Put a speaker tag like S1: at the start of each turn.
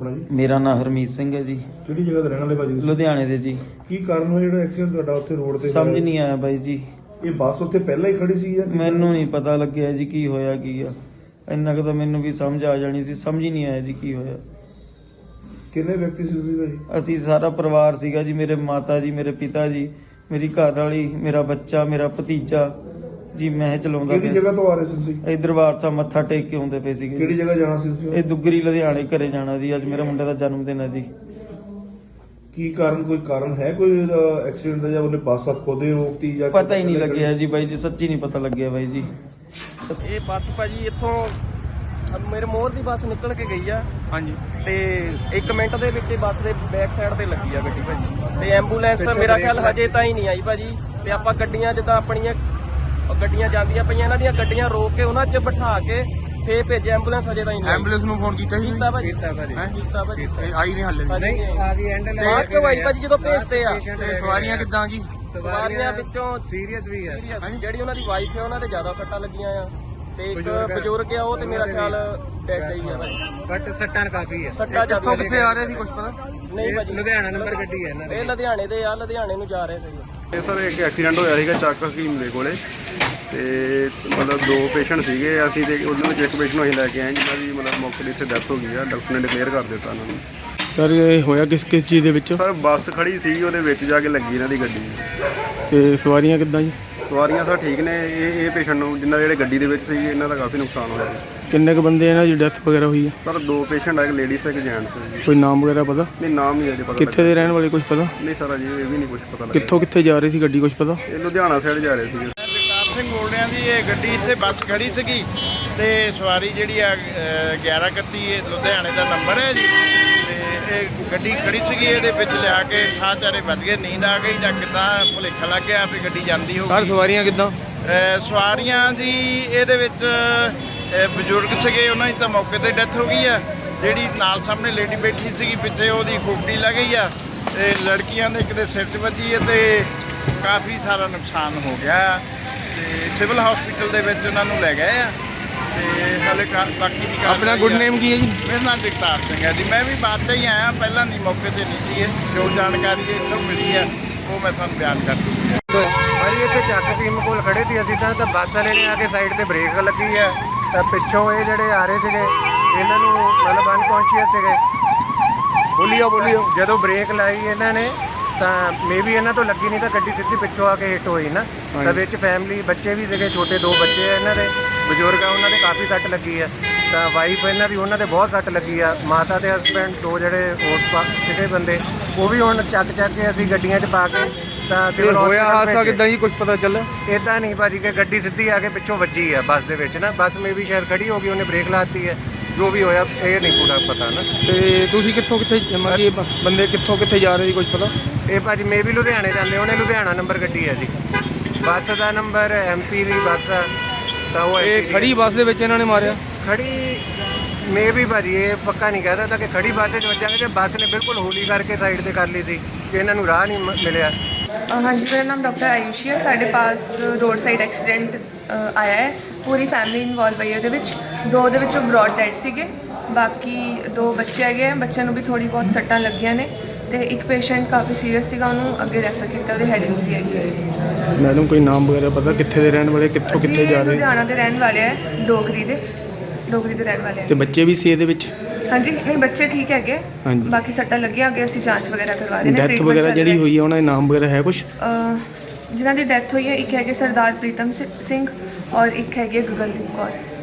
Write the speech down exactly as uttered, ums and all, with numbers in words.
S1: ਆਪਣਾ ਜੀ?
S2: ਮੇਰਾ ਨਾਮ ਹਰਮੀਤ ਸਿੰਘ ਹੈ ਜੀ।
S1: ਕਿਹੜੀ ਜਗ੍ਹਾ ਤੇ ਰਹਿਣ ਵਾਲੇ ਭਾਜੀ?
S2: ਲੁਧਿਆਣੇ ਦੇ ਜੀ।
S1: ਕੀ ਕਾਰਨ ਹੋਇਆ ਜਿਹੜਾ ਐਕਸੀਡੈਂਟ ਤੁਹਾਡਾ ਉੱਥੇ ਰੋਡ ਤੇ?
S2: ਸਮਝ ਨਹੀਂ ਆਇਆ ਬਾਈ ਜੀ।
S1: ਇਹ ਬੱਸ ਉੱਥੇ ਪਹਿਲਾਂ ਹੀ ਖੜੀ ਸੀ ਜਾਂ
S2: ਮੈਨੂੰ ਨਹੀਂ ਪਤਾ ਲੱਗਿਆ ਜੀ ਕੀ ਹੋਇਆ ਕੀ ਆ। ਇੰਨਾ ਕੁ ਤਾਂ ਮੈਨੂੰ ਵੀ ਸਮਝ ਆ ਜਾਣੀ ਸੀ, ਸਮਝ ਹੀ ਨਹੀਂ ਆਇਆ ਜੀ ਕੀ ਹੋਇਆ।
S1: ਕਿੰਨੇ ਵਿਅਕਤੀ ਸੀ ਤੁਸੀਂ ਭਾਜੀ?
S2: ਅਸੀਂ ਸਾਰਾ ਪਰਿਵਾਰ ਸੀਗਾ ਜੀ। ਮੇਰੇ ਮਾਤਾ ਜੀ, ਮੇਰੇ ਪਿਤਾ ਜੀ, ਮੇਰੀ ਘਰ ਵਾਲੀ, ਮੇਰਾ ਬੱਚਾ, ਮੇਰਾ ਭਤੀਜਾ ਜੀ। ਮੈਂ ਚਲਾਉਂਦਾ
S1: ਕਿਹੜੀ ਜਗ੍ਹਾ ਤੋਂ ਆ ਰਹੇ ਸੀ ਤੁਸੀਂ?
S2: ਇਹ ਦਰਬਾਰ ਸਾਹਿਬ ਮੱਥਾ ਟੇਕ ਕੇ ਆਉਂਦੇ ਪਏ ਸੀਗੇ।
S1: ਕਿਹੜੀ ਜਗ੍ਹਾ ਜਾਣਾ ਸੀ ਤੁਸੀਂ?
S2: ਇਹ ਦੁੱਗਰੀ ਲੁਧਿਆਣੇ ਘਰੇ ਜਾਣਾ ਜੀ। ਅੱਜ ਮੇਰੇ ਮੁੰਡੇ ਦਾ ਜਨਮ ਦਿਨ ਹੈ ਜੀ।
S1: ਕੀ ਕਾਰਨ, ਕੋਈ ਕਾਰਨ ਹੈ ਕੋਈ ਐਕਸੀਡੈਂਟ ਦਾ, ਜਾਂ ਉਹਨੇ ਬੱਸ ਖੋਦੇ ਰੋਕਤੀ ਜਾਂ
S2: ਪਤਾ ਹੀ ਨਹੀਂ ਲੱਗਿਆ ਜੀ ਬਾਈ ਜੀ, ਸੱਚੀ ਨਹੀਂ ਪਤਾ ਲੱਗਿਆ ਬਾਈ ਜੀ।
S3: ਇਹ ਬੱਸ ਭਾਜੀ ਇੱਥੋਂ ਮੇਰੇ ਮੋਹਰ ਦੀ ਬੱਸ ਨਿਕਲ ਕੇ ਗਈ ਆ। ਹਾਂਜੀ। ਤੇ ਇੱਕ ਮਿੰਟ ਦੇ ਵਿੱਚ ਬੱਸ ਦੇ ਬੈਕ ਸਾਈਡ ਤੇ ਲੱਗੀ ਆ ਗੱਡੀ ਭਾਜੀ। ਤੇ ਐਂਬੂਲੈਂਸ ਮੇਰਾ ਖਿਆਲ ਹਜੇ ਤਾਂ ਹੀ ਨਹੀਂ ਆਈ ਭਾਜੀ। ਤੇ ਆਪਾਂ ਗੱਡੀਆਂ ਜਿੱਦਾਂ ਆਪਣੀਆਂ ਗੱਡੀਆਂ ਜਾਂਦੀਆਂ ਪਈਆਂ, ਇਹਨਾਂ ਦੀਆਂ ਗੱਡੀਆਂ ਰੋਕ ਕੇ ਉਹਨਾਂ 'ਚ ਬਿਠਾ ਕੇ ਫੇਰ ਭੇਜਿਆ ਐਂਬੂਲੈਂਸ। ਹਜੇ ਤਾਂ ਹੀ ਨਹੀਂ।
S4: ਐਂਬੂਲੈਂਸ ਨੂੰ ਫੋਨ ਕੀਤਾ ਸੀ?
S3: ਕੀਤਾ ਭਾਜੀ।
S4: ਕੀਤਾ ਭਾਜੀ।
S3: ਕੀਤਾ ਭਾਜੀ।
S4: ਇਹ ਆਈ ਨਹੀਂ ਹਾਲੇ ਵੀ।
S3: ਨਹੀਂ ਆ ਗਈ ਐਂਡ ਲੈ ਕੇ ਆਈ ਭਾਜੀ ਜਦੋਂ ਭੇਜਦੇ ਆ।
S4: ਤੇ ਸਵਾਰੀਆਂ ਕਿੱਦਾਂ ਜੀ?
S3: ਸਵਾਰੀਆਂ ਵਿੱਚੋਂ
S4: ਸੀਰੀਅਸ ਵੀ ਹੈ।
S3: ਜਿਹੜੀ ਉਹਨਾਂ ਦੀ ਵਾਈਫ ਹੈ ਉਹਨਾਂ ਤੇ ਜ਼ਿਆਦਾ ਸੱਟਾਂ ਲੱਗੀਆਂ ਆ। ਤੇ ਇੱਕ ਬਜ਼ੁਰਗ ਆ, ਉਹ ਤੇ ਮੇਰਾ ਖਿਆਲ ਡੈਡ ਹੀ ਆ ਭਾਜੀ।
S4: ਬਟ ਸੱਟਾਂ ਕਾਫੀ ਹੈ।
S3: ਸੱਟਾਂ
S4: ਕਿੱਥੋਂ ਕਿੱਥੇ ਆ ਰਹੇ ਸੀ ਕੁਝ ਪਤਾ
S3: ਨਹੀਂ ਭਾਜੀ।
S4: ਲੁਧਿਆਣਾ ਨੰਬਰ ਗੱਡੀ ਹੈ ਇਹਨਾਂ ਦੀ।
S3: ਇਹ ਲੁਧਿਆਣੇ ਦੇ ਆ, ਲੁਧਿਆਣੇ ਨੂੰ ਜਾ ਰਹੇ ਸੀ।
S5: ਇਹ ਸਰ ਇੱਕ ਐਕਸੀਡੈਂਟ ਹੋਇਆ ਸੀਗਾ ਚੱਕ ਹਕੀਮ ਦੇ ਕੋਲੇ, ਤੇ ਮਤਲਬ ਦੋ ਪੇਸ਼ੈਂਟ ਸੀਗੇ ਅਸੀਂ, ਤੇ ਉਹਦੇ ਵਿੱਚ ਇੱਕ ਪੇਸ਼ੈਂਟ ਨੂੰ ਅਸੀਂ ਲੈ ਕੇ ਆਏ ਜਿਨ੍ਹਾਂ ਦੀ ਮਤਲਬ ਮੌਕੇ 'ਤੇ ਇੱਥੇ ਡੈਥ ਹੋ ਗਈ ਆ। ਡਾਕਟਰ ਨੇ ਡਿਕਲੇਅਰ ਕਰ ਦਿੱਤਾ ਉਹਨਾਂ ਨੂੰ।
S6: ਸਰ ਇਹ ਹੋਇਆ ਕਿਸ ਕਿਸ ਚੀਜ਼ ਦੇ ਵਿੱਚ?
S5: ਸਰ ਬੱਸ ਖੜੀ ਸੀ, ਉਹਦੇ ਵਿੱਚ ਜਾ ਕੇ ਲੱਗੀ ਇਹਨਾਂ ਦੀ ਗੱਡੀ।
S6: ਤੇ ਸਵਾਰੀਆਂ ਕਿੱਦਾਂ ਜੀ?
S5: ਸਵਾਰੀਆਂ ਸਰ ਠੀਕ ਨੇ। ਇਹ ਇਹ ਪੇਸ਼ੈਂਟ ਨੂੰ ਜਿਨ੍ਹਾਂ ਜਿਹੜੇ ਗੱਡੀ ਦੇ ਵਿੱਚ ਸੀ ਇਹਨਾਂ ਦਾ ਕਾਫੀ ਨੁਕਸਾਨ ਹੋਇਆ ਜੀ।
S6: ਕਿੰਨੇ ਕੁ ਬੰਦੇ ਇਹਨਾਂ ਦੀ ਡੈਥ ਵਗੈਰਾ ਹੋਈ ਹੈ?
S5: ਸਰ ਦੋ ਪੇਸ਼ੈਂਟ ਆ, ਇੱਕ ਲੇਡੀਜ਼ ਇੱਕ ਜੈਂਟਸ ਹੈ ਜੀ।
S6: ਕੋਈ ਨਾਮ ਵਗੈਰਾ ਪਤਾ?
S5: ਨਹੀਂ ਨਾਮ ਨਹੀਂ ਅਜੇ ਪਤਾ
S6: ਕਿੱਥੇ ਦੇ ਰਹਿਣ ਵਾਲੇ ਕੁਝ ਪਤਾ?
S5: ਨਹੀਂ ਸਰ ਅਜੇ ਇਹ ਵੀ ਨਹੀਂ ਕੁਝ ਪਤਾ ਲੱਗਿਆ।
S6: ਕਿੱਥੋਂ ਕਿੱਥੇ ਜਾ ਰਹੀ ਸੀ ਗੱਡੀ, ਕੁਝ ਪਤਾ?
S5: ਇਹ ਲੁਧਿਆਣਾ ਸਾਈਡ ਜਾ ਰਹੇ ਸੀਗੇ।
S7: ਜਗਤਾਰ ਸਿੰਘ ਬੋਲ ਰਿਹਾ ਜੀ। ਇਹ ਗੱਡੀ ਇੱਥੇ ਬੱਸ ਖੜੀ ਸੀਗੀ ਤੇ ਸਵਾਰੀ ਜਿਹੜੀ ਆ ਗਿਆਰਾਂ ਇਕੱਤੀ ਇਹ ਲੁਧਿਆਣੇ ਦਾ ਨੰਬਰ ਹੈ ਜੀ। ਤੇ ਇਹ ਗੱਡੀ ਖੜੀ ਸੀਗੀ, ਇਹਦੇ ਵਿੱਚ ਲਿਆ ਕੇ ਠਾਹ ਚਾਰੇ ਵੱਜ ਗਏ। ਨੀਂਦ ਆ ਗਈ ਜਾਂ ਕਿੱਦਾਂ ਭੁਲੇਖਾ ਲੱਗ ਗਿਆ ਵੀ ਗੱਡੀ ਜਾਂਦੀ ਹੋਊਗੀ।
S6: ਸਰ ਸਵਾਰੀਆਂ ਕਿੱਦਾਂ?
S7: ਸਵਾਰੀਆਂ ਜੀ ਇਹਦੇ ਵਿੱਚ ਬਜ਼ੁਰਗ ਸੀਗੇ, ਉਹਨਾਂ ਦੀ ਤਾਂ ਮੌਕੇ 'ਤੇ ਡੈਥ ਹੋ ਗਈ ਆ। ਜਿਹੜੀ ਨਾਲ ਸਾਹਮਣੇ ਲੇਡੀ ਬੈਠੀ ਸੀਗੀ ਪਿੱਛੇ, ਉਹਦੀ ਖੋਪੜੀ ਲੱਗ ਗਈ ਆ। ਤੇ ਲੜਕੀਆਂ ਦੇ ਇੱਕ ਦੇ ਸਿਰ 'ਚ ਵੱਜੀ ਹੈ ਤੇ ਕਾਫੀ ਸਾਰਾ ਨੁਕਸਾਨ ਹੋ ਗਿਆ। ਤੇ ਸਿਵਲ ਹਸਪੀਟਲ ਦੇ ਵਿੱਚ ਉਹਨਾਂ ਨੂੰ ਲੈ ਗਏ ਆ। ਤੇ ਹਾਲੇ ਬਾਕੀ ਦੀ
S6: ਆਪਣਾ ਗੁੱਡ ਨੇਮ ਕੀ ਹੈ ਜੀ?
S7: ਮੇਰਾ ਨਾਮ ਜਗਤਾਰ ਸਿੰਘ ਹੈ ਜੀ। ਮੈਂ ਵੀ ਬਾਅਦ 'ਚ ਹੀ ਆਇਆ, ਪਹਿਲਾਂ ਨਹੀਂ ਮੌਕੇ 'ਤੇ ਨਹੀਂ ਸੀ। ਜੋ ਜਾਣਕਾਰੀ ਇੱਥੋਂ ਮਿਲੀ ਹੈ ਉਹ ਮੈਂ ਤੁਹਾਨੂੰ ਬਿਆਨ ਕਰ ਦੂੰਗਾ।
S4: ਭਾਜੀ ਇੱਥੇ ਚੱਕ ਟੀਮ ਕੋਲ ਖੜੇ ਸੀ ਅਸੀਂ ਤਾਂ ਤਾਂ ਬੱਸ ਵਾਲੇ ਨੇ ਆ ਕੇ ਸਾਈਡ ਤੇ ਬ੍ਰੇਕ ਲੱਗੀ ਹੈ ਤਾਂ ਪਿੱਛੋਂ ਇਹ ਜਿਹੜੇ ਆ ਰਹੇ ਸੀਗੇ ਇਹਨਾਂ ਨੂੰ ਮਤਲਬ ਅਨਕੌਂਸ਼ੀਅਸ ਸੀਗੇ। ਬੋਲੀਓ ਬੋਲੀਓ ਜਦੋਂ ਬ੍ਰੇਕ ਲਾਈ ਇਹਨਾਂ ਨੇ ਤਾਂ ਮੇਬੀ ਇਹਨਾਂ ਤੋਂ ਲੱਗੀ ਨਹੀਂ ਤਾਂ ਗੱਡੀ ਸਿੱਧੀ ਪਿੱਛੋਂ ਆ ਕੇ ਹਿੱਟ ਹੋਈ ਨਾ। ਤਾਂ ਵਿੱਚ ਫੈਮਿਲੀ ਬੱਚੇ ਵੀ ਸੀਗੇ, ਛੋਟੇ ਦੋ ਬੱਚੇ ਆ ਇਹਨਾਂ ਦੇ, ਬਜ਼ੁਰਗ ਆ, ਉਹਨਾਂ ਦੇ ਕਾਫੀ ਸੱਟ ਲੱਗੀ ਆ। ਤਾਂ ਵਾਈਫ ਇਹਨਾਂ ਦੀ, ਉਹਨਾਂ ਦੇ ਬਹੁਤ ਸੱਟ ਲੱਗੀ ਆ। ਮਾਤਾ ਦੇ ਹਸਬੈਂਡ ਦੋ ਜਿਹੜੇ ਹੋਰ ਸੀਗੇ ਬੰਦੇ, ਉਹ ਵੀ ਹੁਣ ਚੱਕ ਚੱਕ ਕੇ ਅਸੀਂ ਗੱਡੀਆਂ 'ਚ ਪਾ ਕੇ ਤਾਂ
S6: ਹੋਇਆ ਹਾਦਸਾ ਕਿੱਦਾਂ ਜੀ, ਕੁਝ ਪਤਾ ਚੱਲਿਆ?
S4: ਇੱਦਾਂ ਨਹੀਂ ਭਾਜੀ ਕਿ ਗੱਡੀ ਸਿੱਧੀ ਆ ਕੇ ਪਿੱਛੋਂ ਵੱਜੀ ਆ ਬੱਸ ਦੇ ਵਿੱਚ ਨਾ। ਬੱਸ ਮੇ ਵੀ ਸ਼ਾਇਦ ਖੜੀ ਹੋ ਗਈ, ਉਹਨੇ ਬ੍ਰੇਕ ਲਾਤੀ ਹੈ। ਜੋ ਵੀ ਹੋਇਆ ਇਹ ਨਹੀਂ ਪੂਰਾ ਪਤਾ ਨਾ।
S6: ਤੇ ਤੁਸੀਂ ਕਿੱਥੋਂ ਕਿੱਥੇ ਮਤਲਬ ਬੰਦੇ ਕਿੱਥੋਂ ਕਿੱਥੇ ਜਾ ਰਹੇ ਸੀ, ਕੁਝ ਪਤਾ?
S4: ਇਹ ਭਾਜੀ ਮੇ ਵੀ ਲੁਧਿਆਣੇ ਜਾਂਦੇ, ਉਹਨੇ ਲੁਧਿਆਣਾ ਨੰਬਰ ਗੱਡੀ ਹੈ ਜੀ। ਬੱਸ ਦਾ ਨੰਬਰ ਐਮ ਪੀ ਦੀ ਬੱਸ ਆ। ਤਾਂ ਉਹ
S6: ਇਹ ਖੜੀ ਬੱਸ ਦੇ ਵਿੱਚ ਇਹਨਾਂ ਨੇ ਮਾਰਿਆ?
S4: ਖੜੀ ਮੇ ਵੀ ਭਾਜੀ ਇਹ ਪੱਕਾ ਨਹੀਂ ਕਹਿ ਸਕਦਾ ਕਿ ਖੜੀ ਬੱਸ 'ਚ ਵੱਜਾਂਗੇ। ਕਿ ਬੱਸ ਨੇ ਬਿਲਕੁਲ ਹੌਲੀ ਕਰਕੇ ਸਾਈਡ 'ਤੇ ਕਰ ਲਈ ਸੀ ਕਿ ਇਹਨਾਂ ਨੂੰ ਰਾਹ ਨਹੀਂ ਮਿਲਿਆ।
S8: ਹਾਂਜੀ ਮੇਰਾ ਨਾਮ ਡਾਕਟਰ ਆਯੂਸ਼ੀ ਹੈ। ਸਾਡੇ ਪਾਸ ਰੋਡ ਸਾਈਡ ਐਕਸੀਡੈਂਟ ਆਇਆ ਹੈ। ਪੂਰੀ ਫੈਮਿਲੀ ਇਨਵੋਲਵ ਹੈ ਇਹਦੇ ਵਿੱਚ। ਦੋ ਦੇ ਵਿੱਚੋਂ ਬਰੋਡ ਡੈਡ ਸੀਗੇ, ਬਾਕੀ ਦੋ ਬੱਚੇ ਹੈਗੇ ਆ। ਬੱਚਿਆਂ ਨੂੰ ਵੀ ਥੋੜ੍ਹੀ ਬਹੁਤ ਸੱਟਾਂ ਲੱਗੀਆਂ ਨੇ ਤੇ ਇੱਕ ਪੇਸ਼ੈਂਟ ਕਾਫੀ ਸੀਰੀਅਸ ਸੀਗਾ, ਉਹਨੂੰ ਅੱਗੇ ਰੈਫਰ ਕੀਤਾ, ਉਹਦੇ ਹੈਡ ਇੰਜਰੀ ਹੈਗੀ ਹੈ।
S6: ਮੈਡਮ ਕੋਈ ਨਾਮ ਵਗੈਰਾ ਪਤਾ ਕਿੱਥੇ ਦੇ ਰਹਿਣ ਵਾਲੇ, ਕਿੱਥੋਂ ਕਿੱਥੇ ਜਾ ਰਹੇ?
S8: ਲੁਧਿਆਣਾ ਦੇ ਰਹਿਣ ਵਾਲੇ ਹੈ, ਡੋਗਰੀ ਦੇ ਡੋਗਰੀ ਦੇ ਰਹਿਣ ਵਾਲੇ ਹੈ।
S6: ਤੇ ਬੱਚੇ ਵੀ ਸੀ ਇਹਦੇ ਵਿੱਚ?
S8: ਹਾਂਜੀ ਨਹੀਂ ਬੱਚੇ ਠੀਕ ਹੈਗੇ,
S6: ਹਾਂਜੀ।
S8: ਬਾਕੀ ਸੱਟਾਂ ਲੱਗੀਆਂ, ਅੱਗੇ ਅਸੀਂ ਜਾਂਚ ਵਗੈਰਾ ਕਰਵਾ ਰਹੇ ਨੇ।
S6: ਡੈਥ ਵਗੈਰਾ ਜਿਹੜੀ ਹੋਈ ਹੈ ਉਹਨਾਂ ਦੇ ਨਾਮ ਵਗੈਰਾ ਹੈ ਕੁਝ?
S8: ਜਿਨ੍ਹਾਂ ਦੀ ਡੈਥ ਹੋਈ ਹੈ, ਇੱਕ ਹੈਗੇ ਸਰਦਾਰ ਪ੍ਰੀਤਮ ਸਿੰਘ ਔਰ ਇੱਕ ਹੈਗੀ ਗਗਨਦੀਪ ਕੌਰ।